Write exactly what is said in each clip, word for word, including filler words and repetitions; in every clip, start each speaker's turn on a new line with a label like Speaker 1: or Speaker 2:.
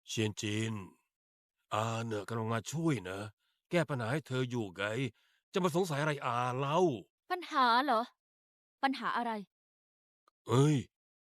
Speaker 1: เชียนจินอาเนี่ยกำลังมาช่วยนะแก้ปัญหาให้เธออยู่ไงจะมาสงสัยอะไรอาเล่า
Speaker 2: ปัญหาเหรอ ปัญหาอะไร
Speaker 1: เอ้ย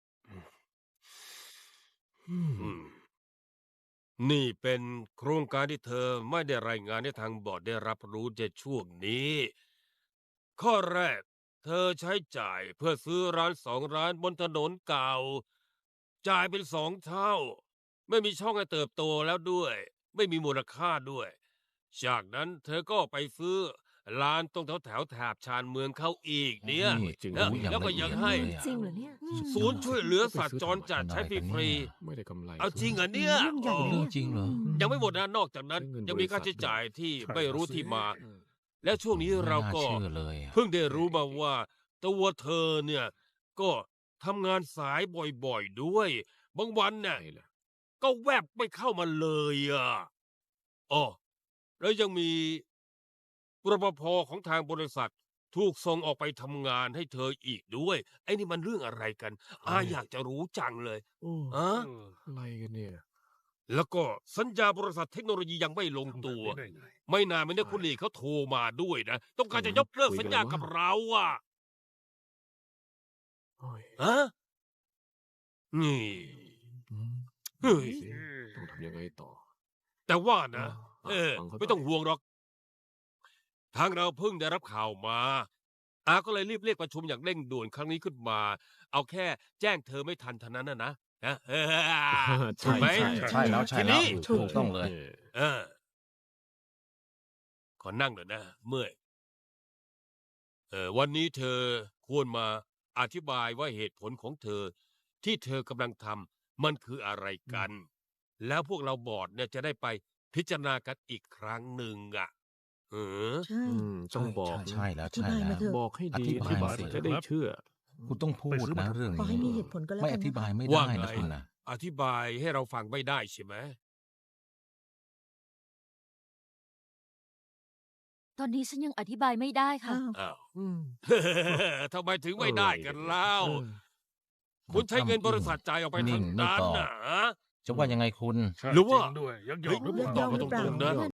Speaker 3: อื
Speaker 1: อื
Speaker 3: ม
Speaker 1: มนี่เป็นโครงการที่เธอไม่ได้รายงานให้ทางบอร์ดได้รับรู้ในช่วงนี้ ข้อแรก เธอใช้จ่ายเพื่อซื้อร้านสองร้านบนถนนเก่า จ่ายเป็นสองเท่า ไม่มีช่องให้เติบโตแล้วด้วย ไม่มีมูลค่าด้วย จากนั้นเธอก็ไปซื้อร้านตรงแถวแถวแถบชานเมืองเขาอีกเนี่ย
Speaker 3: โอ้จริง
Speaker 1: แล้ว
Speaker 3: รู้อย่าง
Speaker 1: แล้วก็
Speaker 3: ละเอี
Speaker 1: ยั
Speaker 3: ย
Speaker 1: ง
Speaker 3: ด
Speaker 1: ให้
Speaker 3: เลยอะ
Speaker 4: จริงเหรอเนี่ยอืม
Speaker 1: ศูนย์ช่วยเหลือสัตว์จรจัดใช้ฟรี
Speaker 3: ไม่ได้กำไร
Speaker 1: ๆเอาจริงเหรอเนี่ย
Speaker 4: เรื่องใหญ่
Speaker 1: อ๋อ
Speaker 4: เลย
Speaker 3: เรื่อ
Speaker 4: เนี่
Speaker 3: ง
Speaker 4: ย
Speaker 3: จริงเหรอ
Speaker 4: ม
Speaker 1: ยังไม่หมดนะนอกจากนั้น
Speaker 3: ใช้เงิน
Speaker 1: ยังมีค่า
Speaker 3: บริษั
Speaker 1: ใช้
Speaker 3: ท
Speaker 1: จ่ายที่
Speaker 3: ใช่
Speaker 1: ไม่รู้
Speaker 3: สิ
Speaker 1: ที่มา
Speaker 3: เออ
Speaker 1: และช่วงนี้เราก็
Speaker 3: ไม่น่าเชื่อเลยอะ
Speaker 1: เพิ่งได้รู้มาว่า ตัวเธอเนี่ย ก็ทำงานสายบ่อยๆด้วย บางวันเนี่ย
Speaker 3: ใช่เหรอ
Speaker 1: ก็แวบไม่เข้ามาเลยอ่ะอ๋อแล้วยังมีรปภของทางบริษัท ถูกส่งออกไปทำงานให้เธออีกด้วย ไอ้นี่มันเรื่องอะไรกัน อาอยากจะรู้จังเลย
Speaker 3: โอ้
Speaker 1: อะ
Speaker 3: อะไรกันเนี่ย
Speaker 1: แล้วก็สัญญาบริษัทเทคโนโลยียังไม่ลงตัว ไม่นานมาเนี่ยคุณหลีเขาโทรมาด้วยนะ ต้องการจะยกเลิกสัญญากับเราอ่ะ
Speaker 3: โอ้ย
Speaker 1: ฮะนี่
Speaker 3: อืม
Speaker 1: เฮ้ย
Speaker 3: สิต้องทำยังไงต่อ
Speaker 1: แต่ว่านะ
Speaker 3: อ่า
Speaker 1: เออ
Speaker 3: ฟังเขา
Speaker 1: ไม่ต้อง
Speaker 3: หน่อย
Speaker 1: ห่วงหรอก ทางเราเพิ่งได้รับข่าวมา อาก็เลยรีบเรียกประชุมอย่างเร่งด่วนครั้งนี้ขึ้นมา เอาแค่แจ้งเธอไม่ทันเท่านั้นนะนะฮะ
Speaker 3: ใช่
Speaker 1: ไหม
Speaker 3: ใช่
Speaker 5: ใช่แล้วใช่
Speaker 1: ที
Speaker 5: แล้
Speaker 1: นี้
Speaker 5: วถูกต้องเลย
Speaker 3: ออ
Speaker 1: เออ ขอนั่งหน่อยนะ เมื่อยเออวันนี้เธอควรมาอธิบายว่าเหตุผลของเธอ ที่เธอกำลังทำมันคืออะไรกัน แล้วพวกเราบอร์ดเนี่ยจะได้ไปพิจารณากันอีกครั้งหนึ่งอ่ะเออ
Speaker 4: ใช่
Speaker 3: อืมต้องบอก
Speaker 5: ใช่แล้ว
Speaker 4: อธิ
Speaker 5: ใช่
Speaker 4: บาย
Speaker 5: แล้
Speaker 4: มาว เถอะ
Speaker 3: บอกให้ดี
Speaker 5: อธิบาย
Speaker 3: อธิบาย
Speaker 5: สิ
Speaker 3: จะได้เชื่อ
Speaker 5: คุณต้องพูดนะเรื่อง
Speaker 4: ขอให้มี
Speaker 5: นี้
Speaker 4: เหตุผลก็แล้ว
Speaker 5: ไม่
Speaker 4: กั
Speaker 5: อน
Speaker 4: นะ
Speaker 5: ธิบาย
Speaker 4: คะ
Speaker 5: ไม่
Speaker 1: ว่า
Speaker 5: ได้
Speaker 1: ไง
Speaker 5: นะคุณนะ
Speaker 1: อธิบายให้เราฟังไม่ได้ใช่ไหม
Speaker 2: ตอนนี้ฉันยังอธิบายไม่ได้ค่ะ
Speaker 4: อ้าว
Speaker 1: อ้าว
Speaker 3: อืม
Speaker 1: ทำไมถึงไม่ได้กันเล่า
Speaker 3: เออ
Speaker 1: คุณใช้เงินบริษัทจ่ายออกไป
Speaker 5: นิ่
Speaker 1: ทั้
Speaker 5: ง
Speaker 1: ง
Speaker 5: ไม่
Speaker 1: นั้น
Speaker 5: ตอบ
Speaker 1: นะฮะ
Speaker 5: จะว่ายังไงคุณ
Speaker 1: หรือว่า
Speaker 6: ด้วยยังย
Speaker 1: เฮ้
Speaker 6: อย มหรือเปล่า
Speaker 1: ตอบมาตรงๆนะ